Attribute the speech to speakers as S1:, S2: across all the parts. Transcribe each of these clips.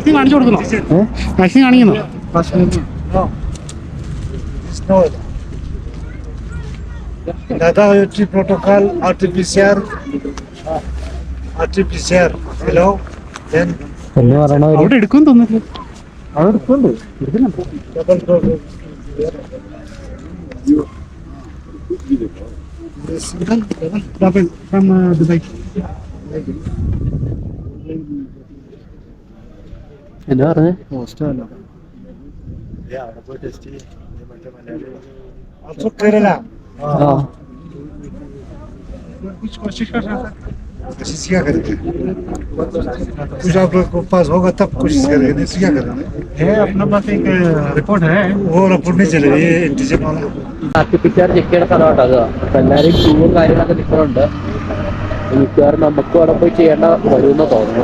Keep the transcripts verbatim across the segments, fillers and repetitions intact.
S1: Vaccine കാണിച്ചു കൊടുക്കുന്നോ? Vaccine കാണിക്കുന്നോ?
S2: Dada ötü protokol R T P C R R T P C R hello then
S1: അവിടെ എടുക്കും തോന്നുന്നു.
S2: അവിടെ എടുക്കുന്നുണ്ട്.
S1: Double from Dubai.
S3: എന്താ പറഞ്ഞേ?
S2: Also Kerala.
S3: हाँ
S2: कुछ कोशिश कर रहा था. कोशिश क्या करेंगे? कुछ आप लोग को पास होगा तब कोशिश करेंगे. नहीं क्या करेंगे?
S1: है अपना पास एक रिपोर्ट है.
S2: वो रिपोर्ट नहीं चलेगा. ये इंटीजन वाला.
S3: സർട്ടിഫിക്കറ്റ് ചെക്ക് ചെയ്യണ സ്ഥലമാട്ടോ അത്. അപ്പൊ എല്ലാവരും ക്യൂവും കാര്യങ്ങളൊക്കെ നിൽക്കുന്നുണ്ട്. മിക്കവാറും നമുക്കും അവിടെ പോയി ചെയ്യേണ്ട വരുമെന്ന് തോന്നുന്നു.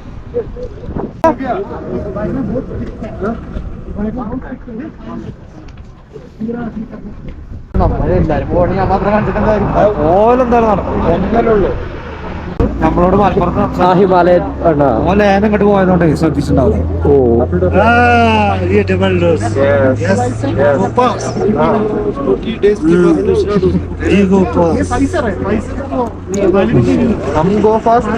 S3: നമ്മളെല്ലാരും പോകണമെങ്കിൽ ഞാൻ മാത്രം കണ്ടിട്ടുണ്ടായിരുന്നു. ഓലെന്തായാലും നടക്കും. നമ്മളോട് മലപ്പുറത്ത് ഹിമാലയൻ ഓല ഏനം ഇങ്ങോട്ട് പോയതുകൊണ്ട് ശ്രദ്ധിച്ചിട്ടുണ്ടാവില്ല. ഓ
S2: ये double dose. Yes. Go pass. forty days की वैक्सीनेशन. ये go pass. ये फाइजर है. फाइजर को
S3: हम गो फास्ट.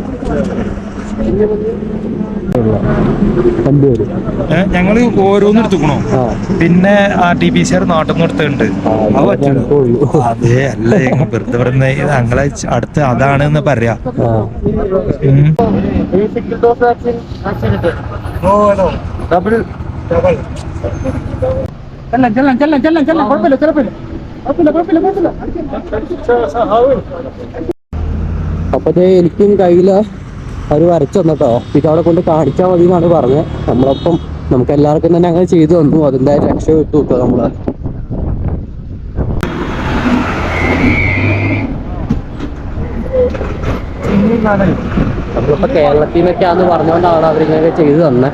S3: രണ്ടുപേരും
S4: ഞങ്ങള് ഓരോന്നും എടുത്തുക്കണോ? പിന്നെ R T P C R നാട്ടിൽ നിന്ന് എടുത്തിട്ടുണ്ട്. അതെ അല്ല വെറുതെ പറയുന്ന ഞങ്ങളെ അടുത്ത് അതാണെന്ന് പറയാ.
S2: no no.
S3: Double
S2: Double.
S1: ചെല്ലാം ചെല്ലാം ചെല്ലാം ചെല്ലാം ചെല്ലാം കുഴപ്പമില്ല കുഴപ്പമില്ല കുഴപ്പമില്ല കുഴപ്പമില്ല കുഴപ്പമില്ല.
S3: അപ്പൊ എനിക്കും കയ്യില് അവർ വരച്ചു തന്നട്ടോ. ഇത് അവിടെ കൊണ്ട് കാണിച്ചാൽ മതി എന്നാണ് പറഞ്ഞത്. നമ്മളപ്പം നമുക്ക് എല്ലാവർക്കും തന്നെ അങ്ങനെ ചെയ്തു തന്നു. അതെന്തായാലും രക്ഷപ്പെട്ടു കിട്ടോ നമ്മള്. നമ്മളിപ്പോ കേരളത്തിൽ നിന്നൊക്കെയാന്ന് പറഞ്ഞുകൊണ്ടാണ് അവരിങ്ങനെ ചെയ്തു തന്നെ.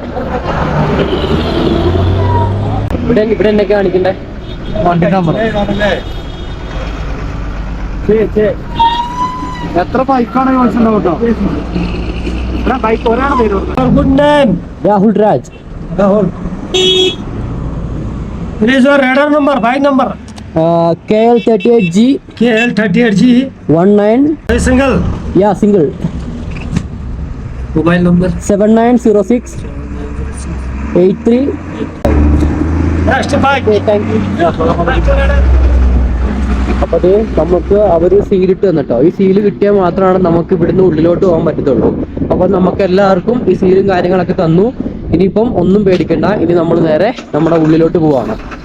S3: ഇവിടെ ഇവിടെ എന്നൊക്കെ കാണിക്കണ്ടേ?
S1: വണ്ടി നമ്പർ എത്ര ബൈക്കാണ് ചോദിച്ചിട്ടുണ്ടോ കേട്ടോ? ബൈക്ക് ഒരാളെ പേര്
S3: good name Rahul Raj.
S1: Rahul. Rider number bike number
S3: K L thirty eight G
S1: K L thirty eight G
S3: one nine
S1: single.
S3: Yeah single.
S1: Mobile number
S3: seven nine zero six eight three. അപ്പൊ അത് നമുക്ക് അവര് സീലിട്ട് തന്നിട്ടോ. ഈ സീല് കിട്ടിയാൽ മാത്രമാണ് നമുക്ക് ഇവിടുന്ന് ഉള്ളിലോട്ട് പോകാൻ പറ്റത്തുള്ളൂ. അപ്പൊ നമുക്ക് എല്ലാവർക്കും ഈ സീലും കാര്യങ്ങളൊക്കെ തന്നു. ഇനിയിപ്പം ഒന്നും പേടിക്കണ്ട. ഇനി നമ്മൾ നേരെ നമ്മുടെ ഉള്ളിലോട്ട് പോവാണ്.